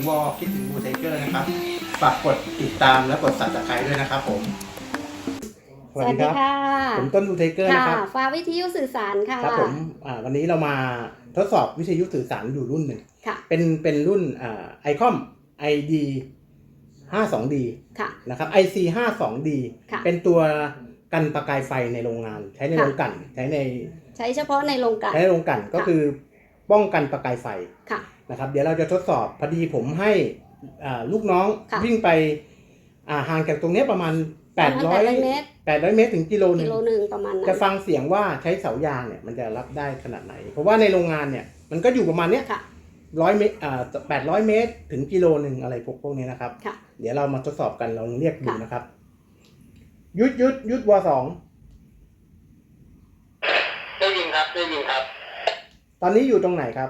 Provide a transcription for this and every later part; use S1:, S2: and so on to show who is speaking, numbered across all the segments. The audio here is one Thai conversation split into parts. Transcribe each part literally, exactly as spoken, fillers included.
S1: วอลคิดถึงบูไทเกอร์นะครับฝากกดติดตามและกด ซับสไครบ์ ด้วยนะครับผม
S2: สวัสดีค่ะ
S1: ผมต้นบูไทเกอร์นะครับ
S2: ฟ้าวิทยุสื่อสารค่ะ
S1: ครับผมวันนี้เรามาทดสอบวิทยุสื่อสารอยู่รุ่นหนึ่งเป็นเป็นรุ่นไอคอม ไอ ดี ห้าสิบสองดี นะครับ ไอ ซี ห้าสิบสองดี เป็นตัวกันประกายไฟในโรงงานใช้ในโรงกลั่นใช้ใน
S2: ใช้เฉพาะในโรงกลั่น
S1: ใช้ในโรงกลั่นก็คือป้องกันประกายไฟนะครับเดี๋ยวเราจะทดสอบพอดีผมให้ลูกน้องวิ่งไปห่างจากตรงนี้ประมาณแปดร้อยเมตรแปดร้อยเมตรถึงกิโลนึง
S2: ประมาณนั้น
S1: จะฟังเสียงว่าใช้เสายางเนี่ยมันจะรับได้ขนาดไหนเพราะว่าในโรงงานเนี่ยมันก็อยู่ประมาณเนี้ยร้อยเมตรอ่าแปดร้อยเมตรถึงกิโลนึงอะไรพวกพวกนี้นะครับเดี๋ยวเรามาทดสอบกันลองเรียกดูนะครับยุดยุดยุดวอสอง
S3: ได้ยินครับได้ยินครับ
S1: ตอนนี้อยู่ตรงไหนครับ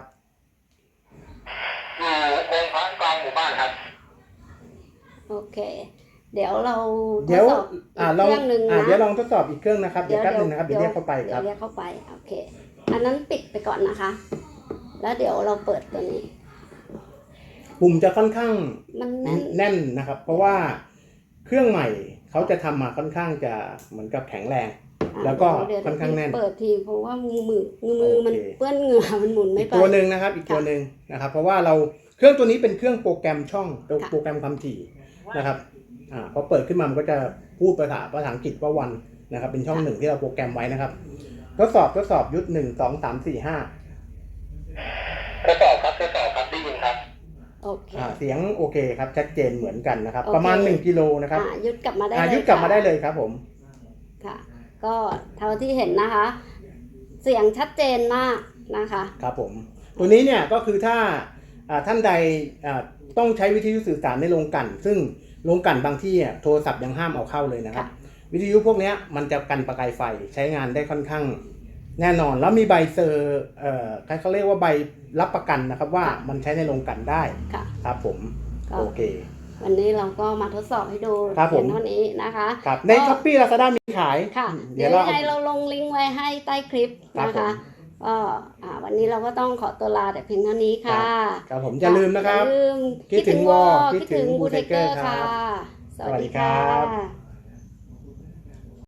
S3: อยู่องค์พระกลางหมู่บ้านครับ
S2: โอเคเดี๋ยวเรา
S1: ทดสอบอีกเครื่องนึงนะเดี๋ยวลองทดสอบอีกเครื่องนะครับเดี๋ยวแป๊บนึงนะครับเดี๋ยวเรียกเข้าไปครับ
S2: เดี๋ยวเรียกเข้าไปโอเคอันนั้นปิดไปก่อนนะคะแล้วเดี๋ยวเราเปิดตัวนี้
S1: ปุ่มจะค่อนข้าง
S2: มัน
S1: แน่นนะครับเพราะว่าเครื่องใหม่เขาจะทำมาค่อนข้างจะเหมือนกับแข็งแรงแล้วก็ค่อนข้างแน่น
S2: เปิดทีเพราะว่ามือมือมือมันเปื้อนเหงื่อมันหมุนไม่ไป
S1: ตัวหนึ่งนะครับอีกตัวหนึ่งนะครับเพราะว่าเราเครื่องตัวนี้เป็นเครื่องโปรแกรมช่องโปรแกรมความถี่นะครับอ่าพอเปิดขึ้นมามันก็จะพูดภาษาภาษาอังกฤษว่าวันนะครับเป็นช่องหนึ่งที่เราโปรแกรมไว้นะครับทดสอบทดสอบยุทธหนึ่งสองสามสี่ห้า
S3: ทดสอบครับทดสอบครับได้ยินครับ
S2: โอเค
S1: เสียงโอเคครับชัดเจนเหมือนกันนะครับประมาณหนึ่งกิโลนะครับ
S2: ยุดกลับมาได้
S1: ยุดกลับมาได้เลยครับผม
S2: ค่ะก็เท่าที่เห็นนะคะเสียงชัดเจนมากนะคะ
S1: ครับผมตัวนี้เนี่ยก็คือถ้าท่านใดต้องใช้วิทยุสื่อสารในโรงกลั่นซึ่งโรงกลั่นบางที่โทรศัพท์ยังห้ามเอาเข้าเลยนะครับวิทยุพวกนี้มันจะกันประกายไฟใช้งานได้ค่อนข้างแน่นอนแล้วมีใบเซอร์เอ่อเขาเรียกว่าใบรับประกันนะครับว่ามันใช้ในโรงกลั่นได้ครับผมโอเค
S2: วันนี้เราก็มาทดสอบให้ดูเพียงเท่านี้นะคะ
S1: ใน ช้อปปี้ ลาซาด้า มีขาย
S2: ค่ะเดี๋ยวยังไงเราลงลิงก์ไว้ให้ใต้คลิปนะคะก็วันนี้เราก็ต้องขอตัวลาแต่เพียงเท่านี้ค่ะ
S1: ครับผมอย่าลืมนะครับ
S2: คิดถึงวอคิดถึงบูไทเกอร์ค่ะ
S1: สวัสดีครับ